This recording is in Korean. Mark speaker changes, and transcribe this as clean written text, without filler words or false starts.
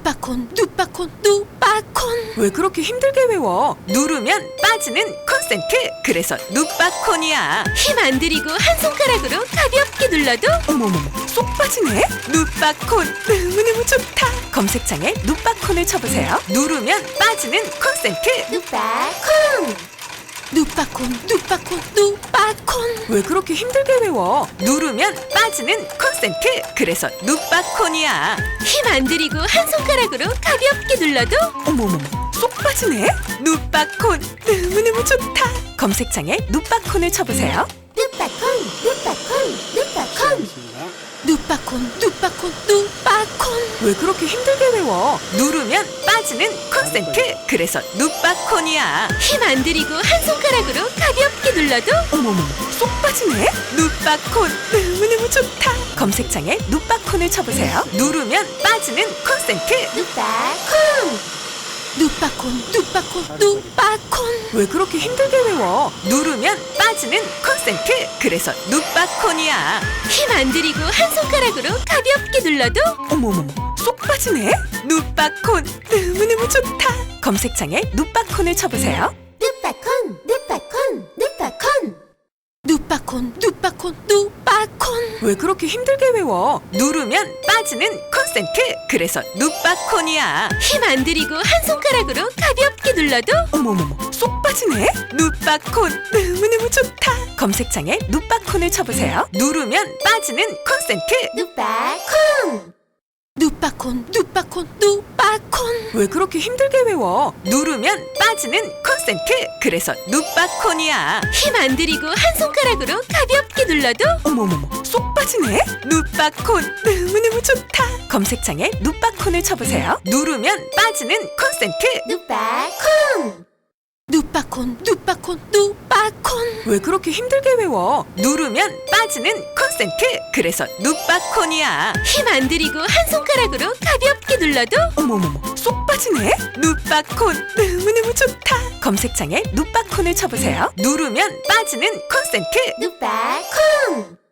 Speaker 1: 누빠콘 누빠콘 누빠콘.
Speaker 2: 왜 그렇게 힘들게 외워? 누르면 빠지는 콘센트. 그래서 누빠콘이야.
Speaker 1: 힘 안 들이고 한 손가락으로 가볍게 눌러도
Speaker 2: 어머머머, 쏙 빠지네. 누빠콘 너무너무 좋다. 검색창에 누빠콘을 쳐보세요. 누르면 빠지는 콘센트.
Speaker 1: 누빠콘 누빠콘 누빠콘 누빠콘.
Speaker 2: 왜 그렇게 힘들게 외워? 누르면 빠지는 콘센트. 그래서 누빠콘이야.
Speaker 1: 힘 안 들이고 한 손가락으로 가볍게 눌러도
Speaker 2: 어머머머, 쏙 빠지네. 누빠콘 너무너무 좋다. 검색창에 누빠콘을 쳐보세요.
Speaker 1: 누빠콘 누빠콘 누빠콘 누빠콘 누빠콘 누빠콘.
Speaker 2: 왜 그렇게 힘들게 외워? 누르면 빠지는 콘센트. 그래서 누빠콘이야.
Speaker 1: 힘 안 들이고 한 손가락으로 가볍게 눌러도
Speaker 2: 어머머머, 쏙 빠지네. 누빠콘 너무너무 좋다. 검색창에 누빠콘을 쳐보세요. 누르면 빠지는 콘센트.
Speaker 1: 누빠콘 누빠콘 누빠콘 누빠콘.
Speaker 2: 왜 그렇게 힘들게 외워? 누르면 빠지는 콘센트. 그래서 누빠콘이야.
Speaker 1: 힘 안 들이고 한 손가락으로 가볍게 눌러도
Speaker 2: 어머머머, 쏙 빠지네. 누빠콘 너무너무 좋다. 검색창에 누빠콘을 쳐보세요.
Speaker 1: 누빠콘 누빠콘 누빠콘 누빠콘 누빠콘 누빠콘.
Speaker 2: 왜 그렇게 힘들게 외워? 누르면 빠지는 콘센트. 그래서 누빠콘이야.
Speaker 1: 힘 안 들이고 한 손가락으로 가볍게 눌러도
Speaker 2: 어머머머, 쏙 빠지네. 누빠콘 너무너무 좋다. 검색창에 누빠콘을 쳐보세요. 누르면 빠지는 콘센트.
Speaker 1: 누빠콘 누빠콘 누빠콘 누빠콘.
Speaker 2: 왜 그렇게 힘들게 외워? 누르면 빠지는 콘센트. 그래서 누빠콘이야.
Speaker 1: 힘 안 들이고 한 손가락으로 가볍게 눌러도
Speaker 2: 어머머머, 쏙 빠지네. 누빠콘 너무너무 좋다. 검색창에 누빠콘을 쳐보세요. 누르면 빠지는 콘센트.
Speaker 1: 누빠콘 누빠콘 누빠콘. 누빠콘 누빠콘 누빠콘. 누빠콘 누빠콘 누빠콘.
Speaker 2: 그래서 누빠콘이야. 힘 안 들이고 한 손가락으로 누르면 빠지는 콘센트. 그래서 누빠콘이야. 힘 안 들이고 한 손가락으로 가볍게 눌러도 어머머머, 쏙 빠지네. 누빠콘 너무너무 좋다. 검색창에 누빠콘을 쳐보세요. 누르면 빠지는 콘센트. 누빠콘 너무너무 좋다.
Speaker 1: 누빠콘 누빠콘 누빠콘.
Speaker 2: 왜 그렇게 힘들게 외워? 누르면 빠지는 콘센트. 그래서 누빠콘이야.
Speaker 1: 힘 안 들이고 한 손가락으로 가볍게 눌러도
Speaker 2: 어머머머, 쏙 빠지네. 누빠콘 너무너무 좋다. 검색창에 누빠콘을 쳐보세요. 누르면 빠지는 콘센트.
Speaker 1: 누빠콘